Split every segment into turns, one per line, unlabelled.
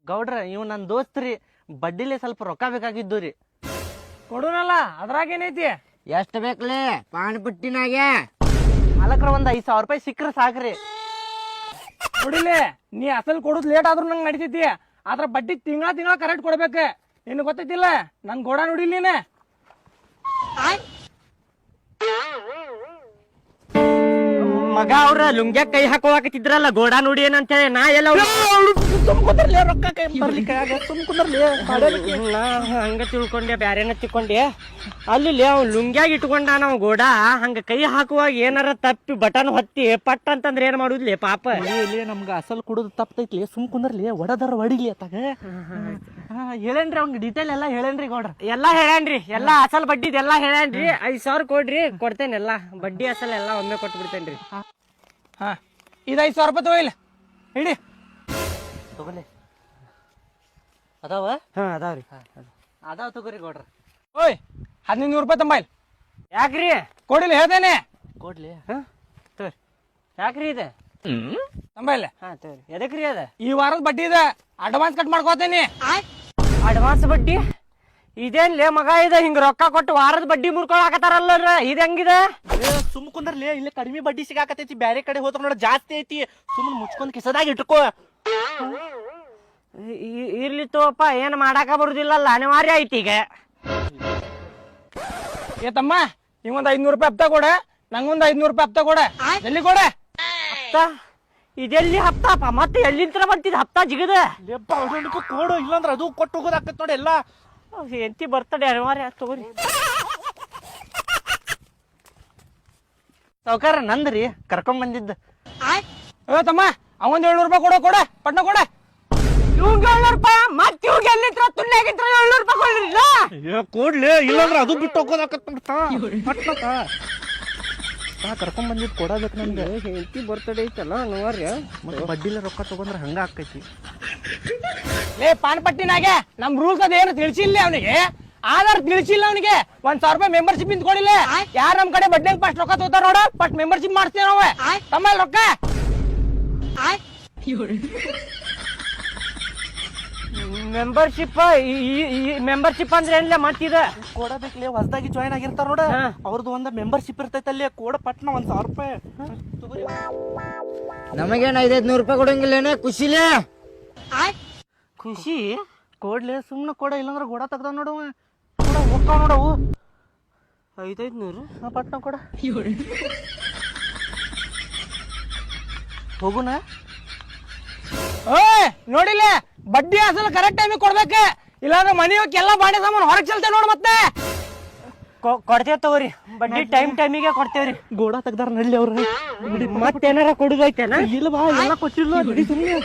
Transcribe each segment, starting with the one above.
ಗೌಡ್ರ ಇವ್ ನನ್ ದೋಸ್ತ್ರಿ, ಬಡ್ಡಿಲಿ ಸ್ವಲ್ಪ ರೊಕ್ಕ ಬೇಕಾಗಿದ್ದು ರೀ.
ಕೊಡುನಲ್ಲ, ಅದ್ರಾಗೇನೈತಿ?
ಎಷ್ಟ್ ಬೇಕ್ಲಿ ಪಾನ್ ಪುಟ್ಟಿನಾಗೆ?
ಮಾಲಕ್ರ ಒಂದ್ 5,000 ರೂಪಾಯಿ ಸಿಕ್ಕ್ರ ಸಾಕ್ರಿ.
ಕೊಡಿಲಿ, ನೀ ಅಸಲ್ ಕೊಡುದ್ ಲೇಟ್ ಆದ್ರೂ ನಂಗೆ ನಡಿತೈತಿ, ಆದ್ರ ಬಡ್ಡಿ ತಿಂಗಳ ಕರೆಕ್ಟ್ ಕೊಡ್ಬೇಕ. ನಿನ್ ಗೊತ್ತೈತಿಲ್ಲ ನನ್ ಗೋಡ ನೋಡಿಲ್ ನೀನೆ.
ಮಗ ಅವ್ರ ಲುಂಗ್ಯಾಗ ಕೈ ಹಾಕೋಕತ್ತಿದ್ರಲ್ಲ ಗೋಡಾ ನೋಡಿ ಏನಂತ ಹೇಳಿ ನಾ ಎಲ್ಲ
ರೊಕ್ಕ ಕೈ ಬರ್ಲಿಕ್ಕೆ
ನಾ ಹಂಗ ತಿಳ್ಕೊಂಡೆ, ಬ್ಯಾರೇನ ತಿಳ್ಕೊಂಡೆ. ಅಲ್ಲಿ ಅವ್ ಲುಂಗ್ಯಾಗ ಇಟ್ಕೊಂಡ ನಾವು ಗೋಡಾ ಹಂಗ ಕೈ ಹಾಕುವಾಗ ಏನಾರ ತಪ್ಪಿ ಬಟನ್ ಹೊತ್ತಿ ಪಟ್ ಅಂತಂದ್ರೆ ಏನ್ ಮಾಡುದ್ಲಿ ಪಾಪ. ನಮ್ಗ ಅಸಲ್ ಕುಡುದು ತಪ್ಪತೈತ್ಲಿ, ಸುಮ್ ಕುಂದ್ರಲಿ, ಒಡದರ ಹೊಡಿಲಿ ಅತ್ತಾಗ. ಹೇಳೇನ್ರಿ ಅವ್ನಿಗೆ ಡೀಟೇಲ್ ಎಲ್ಲಾ ಹೇಳೇನ್ರಿ ಗೌಡ್ರ. ಎಲ್ಲಾ ಹೇಳೇನ್ರಿ, ಎಲ್ಲಾ ಅಸಲ್ ಬಡ್ಡಿದ್ ಎಲ್ಲಾ ಹೇಳೇನ್ರಿ. 5,000 ಕೊಡ್ರಿ, ಕೊಡ್ತೇನೆ ಎಲ್ಲಾ ಬಡ್ಡಿ ಅಸಲ್ ಎಲ್ಲಾ ಒಮ್ಮೆ ಕೊಟ್ಟು ಬಿಡ್ತೇನ್ರಿ.
ಹಾ, ಇದು 5,000 ರೂಪಾಯಿ ತಗೋಯಿಲ್ಲ, ಹಿಡಿ.
ತಗೋಲಿ ಅದಾವ?
ಹಾ ಅದಾವ್ರಿ.
ಅದಾವ ತಗೋರಿ ಗೌಡ್ರ.
ಓಯ್ 1,500 ರೂಪಾಯಿ ತಂಬಾಯಿಲ್.
ಯಾಕ್ರಿ?
ಕೊಡಿಲ್ಲ ಹೇಳ್ತೇನೆ.
ಕೊಡ್ಲಿ
ತೋರಿ.
ಯಾಕ್ರಿ ಇದೆ
ತಂಬಾಯಿಲ್ಲ.
ಹಾ ತಗೋರಿ. ಎದಕ್ರಿ ಅದ?
ಈ ವಾರದ ಬಡ್ಡಿ ಇದೆ, ಅಡ್ವಾನ್ಸ್ ಕಟ್ ಮಾಡ್ಕೋತೇನಿ.
ಅಡ್ವಾನ್ಸ್ ಬಡ್ಡಿ ಇದೇನ್ಲೇ ಮಗ? ಇದೆ ಹಿಂಗ ರೊಕ್ಕ ಕೊಟ್ಟು ವಾರದ ಬಡ್ಡಿ ಮುರ್ಕೊಳಕತ್ತಾರಲ್ಲ, ಇದು ಹೆಂಗಿದೆ?
ಸುಮ್ ಕುಂದ್ರಲಿ, ಇಲ್ಲಿ ಕಡಿಮೆ ಬಡ್ಡಿ ಸಿಗಾಕತೈತಿ, ಬ್ಯಾರೆ ಕಡೆ ಹೋದ್ರ ನೋಡ ಜಾಸ್ತಿ ಐತಿ. ಸುಮ್ಮನೆ ಮುಚ್ಕೊಂಡ್ ಕಿಸದಾಗ ಇಟ್ಕೋ.
ಇರ್ಲಿ ತೋಪ, ಏನ್ ಮಾಡಾಕ ಬರುದಿಲ್ಲಲ್ಲ, ಅನಿವಾರ್ಯ ಐತಿ ಈಗ.
ಏ ತಮ್ಮ, ನಿಂಗೊಂದ್ 500 ರೂಪಾಯಿ ಹಪ್ತ ಕೊಡ, ನಂಗೊಂದ್ 500 ರೂಪಾಯಿ ಹಪ್ತ ಕೊಡ. ಎಲ್ಲಿ ಕೊಡ?
ಹಪ್ತ ಇದೆಲ್ಲಿ ಹಪ್ತಾಪ? ಮತ್ತೆ ಎಲ್ಲಿಂತ್ರ ಬಂತಿದ್ ಹಪ್ತ ಜಿಗದ?
ಕೊಡು, ಇಲ್ಲಾಂದ್ರ ಅದು ಕೊಟ್ಟು ಹೋಗೋದಾಕತ್ ನೋಡಿ ಎಲ್ಲ.
ಎಂತಿ ಬರ್ತಡೆ ಅನಿವಾರ್ಯ, ತಗೋರಿ. ಸಾವ್ಕಾರ ನಂದ್ರಿ ಕರ್ಕೊಂಡ್ ಬಂದಿದ್ದ.
ಏ ತಮ್ಮ, ಅವಂದ್ 700 ರೂಪಾಯಿ ಕೊಡ, ಕೊಡ ಪಟ್ನ ಕೊಡ.
ಇವಂಗ 700 ರೂಪಾಯಿ, ಮತ್ತೆ ಇವಾಗ ಎಲ್ಲಿಂತ್ರ ತುಣ್ಯಾಗಿಂತ್ರ 700 ರೂಪಾಯಿ ಕೊಡ್ರಿಲ್ಲ?
ಕೊಡ್ಲಿ, ಇಲ್ಲಾಂದ್ರ ಅದು ಬಿಟ್ಟು ಹೋಗೋದಾಕತ್ ನೋಡ್ತಾ.
ಕರ್ಕೊಂಡ್ ಬಂದಿದ್ ಕೊಡಬೇಕು ನಮ್ಗೆ.
ಹೆಂಡತಿ ಬರ್ತಡೇ ಐತಲ್ಲ ಅನಿವಾರ್ಯ.
ಬಡ್ಡಿಲ ರೊಕ್ಕ ತಗೊಂಡ್ರ ಹಂಗ ಆಕೈತಿ.
ಲೇ ಪಾನ್ ಪಟ್ಟಿನಾಗೆ ನಮ್ ರೂಲ್ಸ್ ಅದೇನು ತಿಳಿಸಿಲ್ಲ ಅವನಿಗೆ, ಆಧಾರ್ ತಿಳಿಸಿಲ್ಲ ಅವನಿಗೆ. 1,000 ರೂಪಾಯಿ ಮೆಂಬರ್ಶಿಪ್ ನಿಂತ್ಕೊಂಡಿಲ್ಲ. ಯಾರು ನಮ್ ಕಡೆ ಬಡ್ಡಿ ಫಸ್ಟ್ ರೊಕ್ಕ ತಗೋತಾರ ನೋಡ, ಫಸ್ಟ್ ಮೆಂಬರ್ಶಿಪ್ ಮಾಡ್ತೀವಿ ನಾವು. ತಮ್ಮ ರೊಕ್ಕ
ಮೆಂಬರ್ಶಿಪ್ ಅಂದ್ರೆ ಏನಿಲ್ಲ ಮತ್ತಿದ
ಕೊಡಬೇಕ್ಲಿ, ಹೊಸದಾಗಿ ಜಾಯ್ನ್ ಆಗಿರ್ತಾರ ನೋಡ, ಅವ್ರದ್ದು ಒಂದ ಮೆಂಬರ್ಶಿಪ್ ಇರ್ತೈತಲ್ಲಿ. ಕೋಡ ಪಟ್ನ 1,000 ರೂಪಾಯಿ. ನಮಗೇನ 500 ರೂಪಾಯಿ ಕೊಡಂಗಿಲ್ಲೇನೆ? ಖುಷಿಲೇ
ಖುಷಿ
ಕೊಡ್ಲಿ, ಸುಮ್ನೆ ಕೊಡ, ಇಲ್ಲಾಂದ್ರ ಗೋಡ ತೆಗ್ದ ನೋಡವ. ಹೋಗ್ತಾವ ನೋಡವು.
500
ಪಟ್ನ ಕೊಡ. ಹೋಗುನ.
ಓಯ್ ನೋಡಿಲ್ಲ, ಬಡ್ಡಿ ಅಸಲು ಕರೆಕ್ಟ್ ಟೈಮಿಗೆ ಕೊಡ್ಬೇಕು, ಇಲ್ಲಾಂದ್ರೆ ಮನೆ ಹೋಗಿ ಎಲ್ಲ ಬಾಂಡೆ ಸಾಮಾನು ಹೊರಗೆ ಚೆಲ್ತೇವೆ ನೋಡು. ಮತ್ತೆ
ಕೊಡ್ತೇವ್ ತಗೋರಿ, ಬಡ್ಡಿ ಟೈಮಿಗೆ ಕೊಡ್ತೇವ್ರಿ.
ಗೋಡ ತೆಗ್ದಾರ ನಡ್ಲಿ ಅವ್ರ.
ಮತ್ತೇನಾರ ಕೊಡುದೈತೇನ?
ಇಲ್ಲ ಬಾ, ಎಲ್ಲ ಕೊಟ್ಟಿಲ್ಲ ಬಿಡಿ ಸುಮ್ಮನೆ.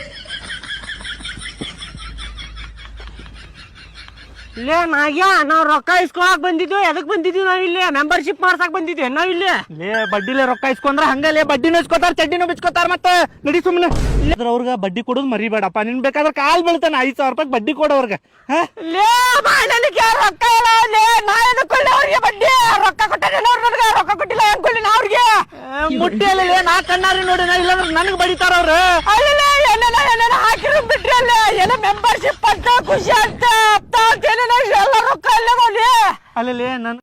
ಇಲ್ಲೇ ನಾಗ್ಯಾ, ನಾವ್ ರೊಕ್ಕ ಇಸ್ಕೊಳಕ್ ಬಂದಿದ್ವಿ. ಎದಕ್ ಬಂದಿದ್ವಿ ನಾವ್? ಇಲ್ಲಿ ಮೆಂಬರ್ಶಿಪ್ ಮಾಡ್ಸಕ್ ಬಂದಿದ್ವಿ ನಾವ್. ಇಲ್ಲಿ
ಬಡ್ಡಿಲೆ ರೊಕ್ಕ ಇಸ್ಕೊಂಡ್ರ ಹಂಗಲೇ ಬಡ್ಡಿನೂ ಇಸ್ಕೊತಾರ, ಚಡ್ಡಿನೂ ಬಿಚ್ಕೋತಾರ. ಮತ್ತೆ ನಡಿ ಸುಮ್ಮನೆ. ಅವ್ರಿಗೆ ಬಡ್ಡಿ ಕೊಡೋದು ಮರಿಬೇಡಪ್ಪ. ನಿನ್ ಬೇಕಾದ್ರೆ ಕಾಲ್ ಬೀಳ್ತಾನೆ. 5,000 ರೂಪಾಯಿ ಬಡ್ಡಿ ಕೊಡೋರ್ಗ.
ರೊಕ್ಕ ಅವ್ರಿಗೆ ಬಡ್ಡಿ ರೊಕ್ಕ ಕೊಟ್ಟಾರೆ, ರೊಕ್ಕ ಕೊಟ್ಟಿಲ್ಲ ಅನ್ಕೊಳ್ಳಿ ನಾ ಅವ್ರಿಗೆ.
ಮುಟ್ಟಿಯಲ್ಲಿ ನಾ ಕಣ್ಣಾರಿ ನೋಡಿ, ಇಲ್ಲಾಂದ್ರೆ ನನಗ್ ಬಡಿತಾರ ಅವ್ರು.
ಹಾಕಿರೋ ಬಿಟ್ರಿ ಅಲ್ಲ, ಎಲ್ಲ ಮೆಂಬರ್ಶಿಪ್ ಅಂತ ಖುಷಿ ಅಂತ ಎಲ್ಲ ರೊಕ್ಕ ಅಲ್ಲೇ
ಅಲ್ಲಿ ನನ್